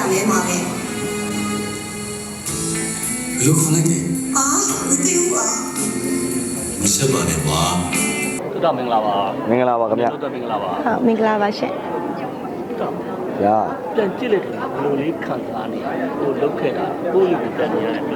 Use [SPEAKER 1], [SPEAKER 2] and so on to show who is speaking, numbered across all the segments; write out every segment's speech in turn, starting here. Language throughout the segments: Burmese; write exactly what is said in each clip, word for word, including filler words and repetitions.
[SPEAKER 1] လဲမှာပဲ
[SPEAKER 2] ဘယ်လိုခေါ်လိုက်လဲ
[SPEAKER 1] ဟာမသိဘူးကွာ
[SPEAKER 2] မဆက်ပါနဲ့ကွာ
[SPEAKER 3] တော်တော်မင်္ဂလာပါ
[SPEAKER 4] မင်္ဂလာပါခင်ဗျ
[SPEAKER 3] တော်တော်မင်္ဂလာပါ
[SPEAKER 5] ဟုတ်မင်္ဂလာပါရှင်
[SPEAKER 4] ဗျာ
[SPEAKER 3] ပြန်ကြည့်လိုက်တယ်ဘယ်လိုလေးခံစားနေဟိုလုတ်ခဲ့တာကိုယ့်လူပြန်နေရတယ်
[SPEAKER 4] အဲ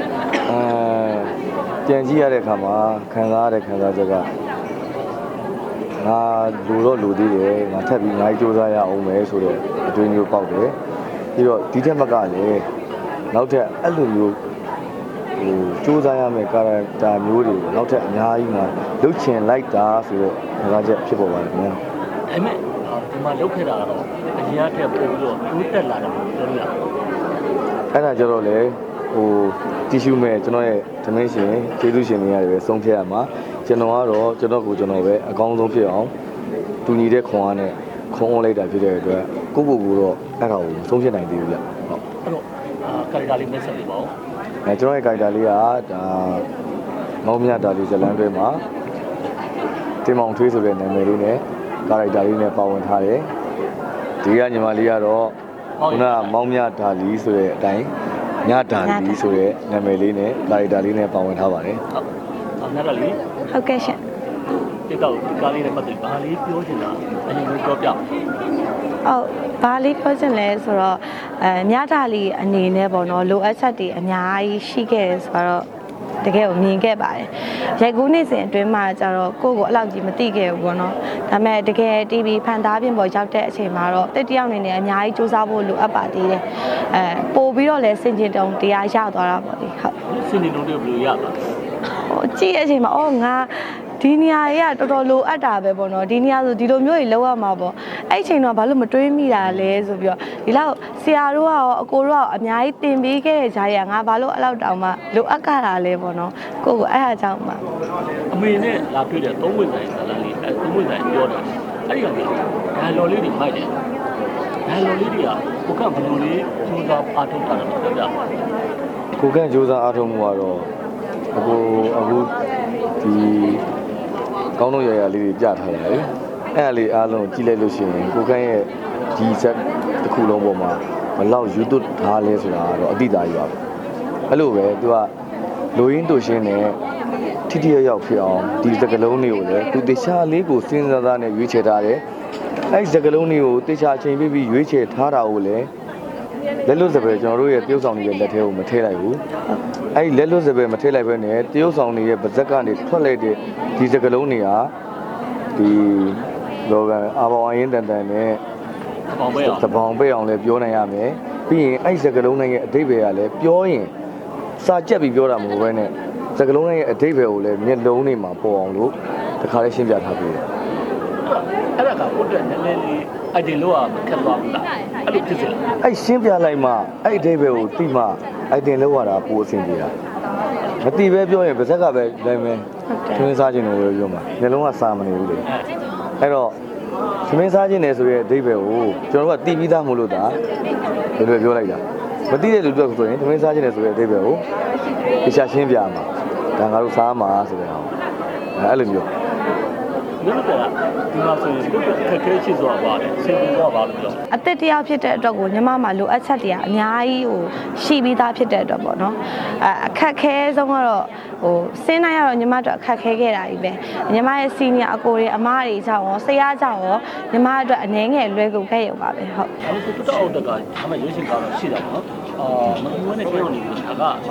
[SPEAKER 4] ပြန်ကြည့်ရတဲ့အခါမှာခံစားရတဲ့ခံစားချက်ကငါလူတော့လူသေးတယ်ငါထပ်ပြီးအများကြီးစူးစမ်းရအောင်မယ်ဆိုတော့အတွေ့အကြုံပေါက်တယ်ပြီးတော့ဒီထက်မကလည်းနောက်ထပ်အဲ့လိုမျိုးဟိုစူးစမ်းရမယ့်ကာရက်တာမျိုးတွေနောက်ထပ်အများကြီးမှလုတ်ချင်လိုက်တာဆိုတော့ခံစားချက်ဖြစ်ပေါ်ပါတယ်ခင်ဗျာ
[SPEAKER 3] ဒါပေမဲ့ဒီမှာလုတ်ခဲ့တာကတော့အရင်ကတည်းကပို့ပြီးတော့တိုးတက်လာတယ်လို့ပြောလို့ရတယ်
[SPEAKER 4] အဲ့ဒါကြတော့လေဟိုတီရှူမဲ့ကျွန်တော်ရဲ့ဓမင်းရှင်ကျေးဇူးရှင်တွေရတယ်ပဲဆုံးဖြတ်ရမှာကျွန်တော်ကတော့ကျွန်တော်ကိုကျွန်တော်ပဲအကောင်းဆုံးဖြစ်အောင်တူညီတဲ့ခွန်အားနဲ့ခွန်အောင်လိုက်တာဖြစ်တဲ့အတွက်ကိုကိုကိုတော့အဲ့ဒါကိုဆုံးဖြတ်နိုင်သေးဘူးဗျဟုတ်
[SPEAKER 3] အဲ့တော့ကာရီတာလေးမဆက်ပြီးပါဦး
[SPEAKER 4] အဲကျွန်တော်ရဲ့ကာရီတာလေးကဒါမောင်မြတာလေးဇလန်းတွဲမှာတင်မောင်ထွေးဆိုတဲ့နာမည်လေးနဲ့ကာရီတာလေးနဲ့ပါဝင်ထားတယ်ဒီကညီမလေးကတော့ခုနကမောင်မြတာလီဆိုတဲ့အတိုင်းညတာလီဆိုတဲ့နာမည်လေးနဲ့ကာရီတာလေးနဲ့ပါဝင်ထားပါတယ်
[SPEAKER 3] ဟုတ်ညတာလီ
[SPEAKER 5] ဟုတ်ကဲ့ရှင်
[SPEAKER 3] ဒီတော့ကားလေးနဲ့ပတ်သက်ဘာလေးပြောချင်တာအရင်ကပြောပြ
[SPEAKER 5] ဟုတ်ဘာလေးပြောချင်လဲဆိုတော့အဲမြတာလီအနေနဲ့ပေါ့နော်လိုအပ်ချက်တွေအများကြီးရှိခဲ့တယ်ဆိုတော့တကယ်ကိုမြင်ခဲ့ပါတယ်ရိုက်ကူးနေစဉ်အတွင်းမှာကျတော့ကိုယ့်ကိုအလောက်ကြီးမသိခဲ့ဘူးပေါ့နော်ဒါပေမဲ့တကယ် တီဗီ ဖန်သားပြင်ပေါ်ရောက်တဲ့အချိန်မှာတော့တက်တယောက်နေနဲ့အများကြီးစူးစမ်းဖို့လိုအပ်ပါသေးတယ်အဲပို့ပြီးတော့လည်းစင်ကျင်တုံတရားရသွားတာပေါ့လေဟုတ်
[SPEAKER 3] စင်ကျင်တုံတွေဘယ်လိုရပါလဲ
[SPEAKER 5] ဟိုကြည့်တဲ့အချိန်မှာအော်ငါဒီနေရာကြီးကတော်တော်လိုအပ်တာပဲပေါ့နော်ဒီနေရာဆိုဒီလိုမျိုးကြီးလောက်ရမှာပေါ့အဲ့အချိန်တော့ဘာလို့မတွေးမိတာလဲဆိုပြီးတော့ဒီလောက်ဆရာတို့ကရောအကိုတို့ကအများကြီးသင်ပေးခဲ့တဲ့ဂျာရီကငါဘာလို့အဲ့လောက်တောင်မှလိုအပ်ကြတာလဲပေါ့နော်ကိုကိုအဲ့အကြောင်းမှ
[SPEAKER 3] အမေနဲ့လာတွေ့တဲ့သုံးဝင်ဆိုင်ဇာလန်လေးအဲသုံးဝင်ဆိုင်ပြောတာအဲ့ဒီကောင်ကဒါလော်လေးတွေမိုက်တယ်ဒါလော်လေးတွေကကိုကဘယ်လိုလေးစူးစမ်းအားထုတ်တာလဲပြောပြပါ
[SPEAKER 4] ကိုကန့်စူးစမ်းအားထုတ်မှုကတော့အခုအခုဒီကောင်းတော့ရရလေးတွေကြားထားရတယ်အဲ့ဒါလေးအားလုံးကြည့်လိုက်လို့ရှိရင်ကိုကန့်ရဲ့ဒီဆက်တစ်ခုလုံးပေါ်မှာဘလောက် YouTube ထားလဲဆိုတာတော့အတိအကျရွာပဲအဲ့လိုပဲသူကလိုရင်းတို့ရှင်းနဲ့ထိထိရောက်ရောက်ဖြစ်အောင်ဒီစကလုံးတွေကိုလည်းသူတခြားလေးကိုစဉ်းစားသားနဲ့ရွေးချယ်ထားတယ်အဲ့ဒီစကလုံးတွေကိုတခြားအချိန်ပြပြီးရွေးချယ်ထားတာကိုလည်းလက်လွတ်စပယ်ကျွန်တော်တို့ရဲ့တရုပ်ဆောင်တွေလက်ထဲကိုမထည့်လိုက်ဘူးအဲ့ဒီလက်လွတ်စပယ်မထည့်လိုက်ဘဲနဲ့တရုပ်ဆောင်တွေရဲ့ပါဇက်ကနေထွက်လိုက်တဲ့ဒီစကလုံးတွေကဒီလောကအာဘောင်အရင်တန်တန်နဲ့
[SPEAKER 3] ဘောင်ပဲအောင်
[SPEAKER 4] သဘောင်ပဲအောင်လည်းပြောနိုင်ရမယ်ပြီးရင်အဲ့ဒီစကလုံးတွေရဲ့အဓိပ္ပာယ်ကလည်းပြောရင်စာကြက်ပြီးပြောတာမဟုတ်ဘဲနဲ့စကလုံးတွေရဲ့အဓိပ္ပာယ်ကိုလည်းမျက်လုံးတွေမှာပေါ်အောင်လို့တခါလေးရှင်းပြထားပေးတယ်
[SPEAKER 3] အဲ့ဒါကကိုယ့်အတွက်နည်းနည်းလေးအိုက်တင်လို့ကခက်သွားပြီလားအဲ့လိုဖြစ်စလား
[SPEAKER 4] အဲ့ရှင်းပြလိုက်မှအဲ့အဓိပ္ပာယ်ကိုသိမှအိုက်တင်လို့ရတာပိုအဆင်ပြေတာမသိပဲပြောရင်ပါဇက်ကပဲတိုင်းပဲသမင်းစားခြင်းတယ်လို့ပြောမှာမျက်လုံးကစာမနေဘူးလေအဲ့တော့သမင်းစားခြင်းတယ်ဆိုရဲအဓိပ္ပာယ်ကိုကျွန်တော်တို့ကသိပြီးသားမို့လို့ဒါဘယ်လိုပြောလိုက်တာမသိတဲ့လူတွေဆိုရင်သမင်းစားခြင်းတယ်ဆိုရဲအဓိပ္ပာယ်ကိုတခြားရှင်းပြမှာဒါငါတို့စားမှာဆိုတဲ့ဟာအဲ့လိုမျိုး
[SPEAKER 3] လို့ကဒီမှာဆိုရင်ဒီခက်ခဲချစ်စွာပါတယ်ဆင်ပြေစွာပါလို့ပြော
[SPEAKER 5] အသက်တရားဖြစ်တဲ့အတွက်ကိုညီမမှာလိုအပ်ချက်တွေကအများကြီးဟိုရှိပြီးသားဖြစ်တဲ့အတွက်ပေါ့နော်အဲအခက်ခဲဆုံးကတော့ဟိုစင်းနိုင်ရတော့ညီမတို့အခက်ခဲခဲ့တာကြီးပဲညီမရဲ့စီနီယာအကိုတွေအမတွေကြောင့်ရောဆရာကြောင့်ရောညီမအတွက်အနေငယ်လွယ်ကူခဲ့ရုံပါပဲဟုတ်
[SPEAKER 3] အခုတော်တော်တက်ကဒါမှရွေးချယ်ကားတော့ရှိတာပေါ့အာမကူဝဲနဲ့ကြောက်နေပြီဒါကအာ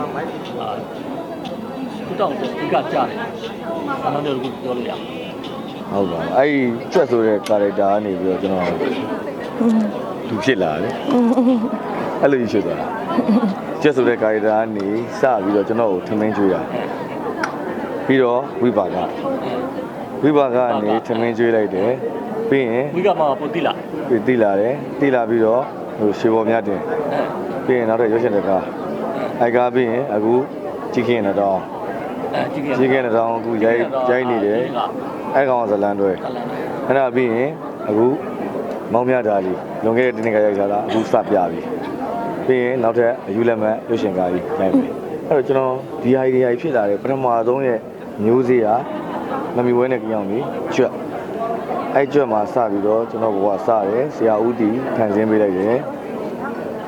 [SPEAKER 3] တော်တော်ဒီကကြားတယ်အမှန်တကယ်ပြောလို့ရ
[SPEAKER 4] ဟုတ်ပါအဲ့ဒီကျွတ်ဆိုတဲ့ character ကနေပြီးတော့ကျွန်တော်သူဖြစ်လာတယ်အဲ့လိုရှိသွားတာကျွတ်ဆိုတဲ့ character ကနေစပြီးတော့ကျွန်တော်ကိုထမင်းကျွေးတာပြီးတော့ဝိပါကဝိပါကကနေထမင်းကျွေးလိုက်တယ်ပြီးရင်
[SPEAKER 3] ဝိကမှာပိုတိလာ
[SPEAKER 4] ပြီးတိလာတယ်တိလာပြီးတော့ဟိုရှေပေါ်မြတ်တင်ပြီးရင်နောက်တော့ရုပ်ရှင်တကားအိုက်ကားပြီးရင်အခုကြည့်ခင်တော့ကြည့်ခင်တော့အခုရိုက်ရိုက်နေတယ်အဲ့ကောင်ဇလန်တွဲအဲ့ဒါပြီးရင်အခုမောင်မြတာလေးလွန်ခဲ့တဲ့တနေ့ကရိုက်ထားတာအခုစပြပြီပြီးရင်နောက်ထပ်အယူလက်မှတ်ရုပ်ရှင်ကားကြီးရိုက်ပြီအဲ့တော့ကျွန်တော်ဒီ idea ဖြစ်လာတယ်ပထမဆုံးရဲ့မျိုးစေ့ဟာမမီဝဲနဲ့ကြောင်ကြီးကျွတ်အဲ့ကျွတ်မှာစပြီးတော့ကျွန်တော်ဘဝစတယ်ဆရာဦးတီဖန်ဆင်းပေးလိုက်တယ်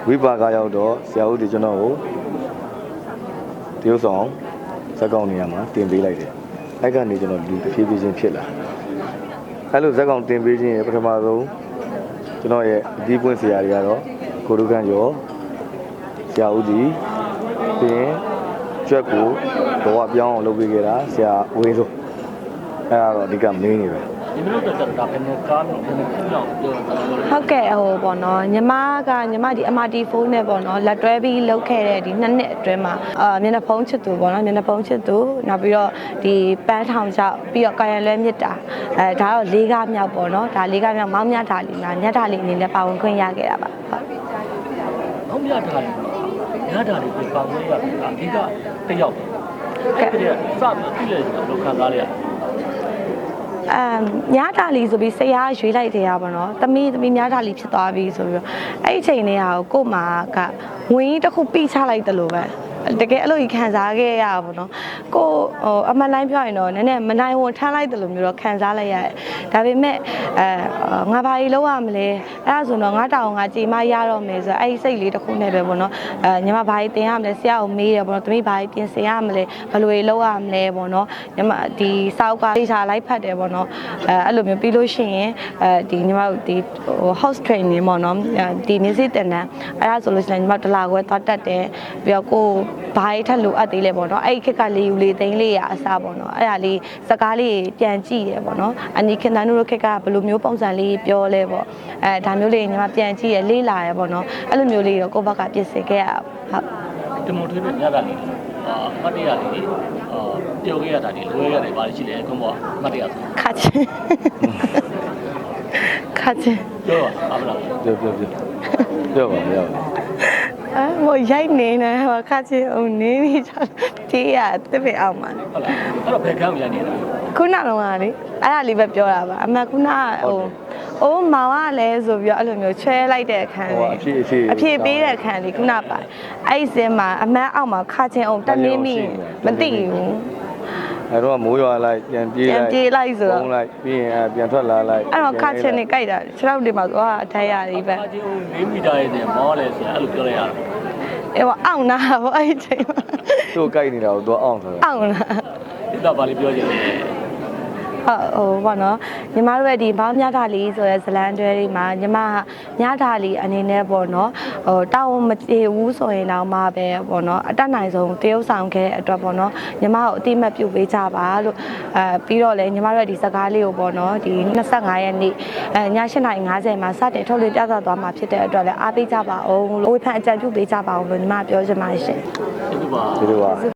[SPEAKER 4] ဝိပါကရောက်တော့ဆရာဦးဒီကျွန်တော်ကိုတရုတ်ဆောင်ဇက်ကောင်နေရာမှာတင်ပေးလိုက်တယ်အဲ့ကနေကျွန်တော်လူတစ်ဖြည်းဖြည်းချင်းဖြစ်လာအဲ့လိုဇက်ကောင်တင်ပေးခြင်းရဲ့ပထမဆုံးကျွန်တော်ရဲ့အဒီပွင့်ဆရာတွေကတော့ကိုရုခန့်ကျော်ဆရာဦးဒီပြီးရင်ကျွက်ကိုဘဝပြောင်းအောင်လုပ်ပေးခဲ့တာဆရာဝင်းစိုးအဲ့ဒါတော့အဓိကမင်းနေပဲ
[SPEAKER 3] ဒီမျိုးတော့တာဘယ်နဲ့ကားဘယ်နဲ့ခင်းအောင်ပြောတာလဲ
[SPEAKER 5] ဟုတ်ကဲ့ဟိုပေါ့နော်ညီမကညီမဒီ M R T ဖုန်းနဲ့ပေါ့နော်လက်တွဲပြီးလုပ်ခဲ့တဲ့ဒီနှစ်နှစ်အတွင်းမှာအာမျက်နှာဖုံးချစ်သူပေါ့နော်မျက်နှာဖုံးချစ်သူနောက်ပြီးတော့ဒီပန်းထောင်ချောက်ပြီးတော့ကာယံလွဲမြစ်တာအဲဒါတော့လေးကားမြောက်ပေါ့နော်ဒါလေးကားမြောက်မောင်းမြတာလီနာညတာလီအနေနဲ့ပါဝင်ခွင့်ရခဲ့တာပါဟုတ်
[SPEAKER 3] ။ဟုတ်မြတာလေ။ညတာလေကိုပေါင်းလို့ရတာအဓိကတစ်ယောက်ပဲ။အဲ့ဒီကစပြီးပြည့်လဲလို့ခံစားလိုက်ရ
[SPEAKER 5] အမ်ညတာလီဆိုပြီးဆရာရွေးလိုက်တယ်ရပါတော့။သမီးသမီးညတာလီဖြစ်သွားပြီဆိုပြီးတော့အဲ့ဒီချိန်လေးဟာကို့မှာကဝင်းတစ်ခုပြီးချလိုက်တယ်လို့ပဲတကယ်အဲ့လိုကြီးခံစားခဲ့ရတာပေါ့နော်ကိုဟိုအမှန်တိုင်းပြောရင်တော့နည်းနည်းမနိုင်ဝန်ထမ်းလိုက်တယ်လို့မျိုးတော့ခံစားလိုက်ရတယ်ဒါပေမဲ့အဲငါဘာကြီးလောက်ရမလဲအဲ့ဒါဆိုတော့ငါတောင်ငါကြည်မရတော့မယ်ဆိုတော့အဲ့ဒီစိတ်လေးတစ်ခုနဲ့ပဲပေါ့နော်အဲညီမဘာကြီးတင်ရမလဲဆရာကိုမေးတယ်ပေါ့နော်သမီးဘာကြီးပြင်ဆင်ရမလဲဘယ်လိုကြီးလောက်ရမလဲပေါ့နော်ညီမဒီစောက်ကဒေတာလိုက်ဖတ်တယ်ပေါ့နော်အဲအဲ့လိုမျိုးပြီးလို့ရှိရင်အဲဒီညီမတို့ဒီဟို house training ပေါ့နော်ဒီမျက်စိတင်တန်းအဲ့ဒါဆိုလို့ရှိရင်ညီမတလာခွဲသွားတက်တယ်ပြီးတော့ကိုဘာကြီးထက်လိုအပ်သေးလဲပေါ့နော်အဲ့ဒီခက်ကလေးယူလေးသိန်းလေးရအစားပေါ့နော်အဲ့ဒါလေးစကားလေးပြန်ကြည့်ရပေါ့နော်အနီခင်တန်းတို့ခက်ကဘယ်လိုမျိုးပုံစံလေးပြောလဲပေါ့အဲဒါမျိုးလေးညီမပြန်ကြည့်ရလေးလာရပေါ့နော်အဲ့လိုမျိုးလေးတော့ကိုယ့်ဘက်ကပြင်ဆင်ခဲ့ရဟုတ်
[SPEAKER 3] ။ဒီမိုထွေးနဲ့ညတာလေအာမတ်တရားလေးအာပြောခဲ့ရတာဒီလွဲရတယ်ပါရှိလေကွန်ဘောမတ်တရားဆို
[SPEAKER 5] ခါချင်းခါချင်း
[SPEAKER 3] ပြောပါမလား
[SPEAKER 4] ပြောပြောပြောပြောပါပြောပါ
[SPEAKER 5] အဲဟိုရိုက်နေနေဟိုခါချင်းဟိုနေပြီးချတေးရတစ်ပေအောင်ပါ
[SPEAKER 3] ဟုတ်လားအဲ့တော့ဘယ်ကမ်းရနေတာ
[SPEAKER 5] ခုနကတော့လေအဲ့ဒါလေးပဲပြောတာပါအမှခုနကဟိုအိုးမောင်ကလည်းဆိုပြီးတော့အဲ့လိုမျိုးချဲလိုက်တဲ့အခန်း
[SPEAKER 4] ဟို
[SPEAKER 5] လေး
[SPEAKER 4] အဖြစ်အဖြစ်
[SPEAKER 5] အဖြစ်ပေးတဲ့အခန်းလေးခုနပါအဲ့ဒီစင်းမှာအမန်းအောက်မှာခါချင်းအောင်တက်နေမိမသိဘူး
[SPEAKER 4] အဲ့တော့မိုးရွာလိုက်ပြန်ပြေးလိုက်
[SPEAKER 5] ပြန်ပြေးလိုက်ဆိုတော့
[SPEAKER 4] ပုံလိုက်ပြီးရင်ပြန်ထွက်လာလိုက်
[SPEAKER 5] အဲ့တော့ခါချင်းနေကြိုက်တာခြေထောက်တွေမှာသွားအထိုက်ရလေးပဲ
[SPEAKER 3] ။အာချင်းဦး၄မီတာရဲ့မောလဲဆိုအဲ့လိုပြောလိုက်ရတာ
[SPEAKER 5] အဲ့တော့အောင့်နာပေါ့အဲ့ဒီချိန်မှာ
[SPEAKER 4] သူ့ကိုက်နေတာကိုသူအောင်ဆိုတော့
[SPEAKER 5] အောင့်နာ
[SPEAKER 3] ။ဒီတော့ဗာလေးပြောချင်တယ်
[SPEAKER 5] ဟုတ်ဟိုပေါ့နော်ညီမတို့ရဲ့ဒီဘောင်းမြတာလီဆိုတဲ့ဇလန်တွဲလေးမှာညီမမြတာလီအနေနဲ့ပေါ့နော်ဟိုတောင်းမပြေဘူးဆိုရင်တော့မှပဲပေါ့နော်အတက်နိုင်ဆုံးတရုပ်ဆောင်ခဲ့တဲ့အတွက်ပေါ့နော်ညီမကိုအတိမတ်ပြုပေးကြပါလို့အဲပြီးတော့လည်းညီမတို့ရဲ့ဒီစကားလေးကိုပေါ့နော်ဒီ၂၅ရက်နေ့အဲည၈နာရီ၅၀မှာစတင်ထုတ်လွှင့်ပြသသွားမှာဖြစ်တဲ့အတွက်လည်းအားပေးကြပါအောင်လို့ဝေဖန်အကြံပြုပေးကြပါအောင်လို့ညီမပြောချင်ပါရှင်
[SPEAKER 3] ။ဒီလိုပါ
[SPEAKER 4] ဒီလိုပါ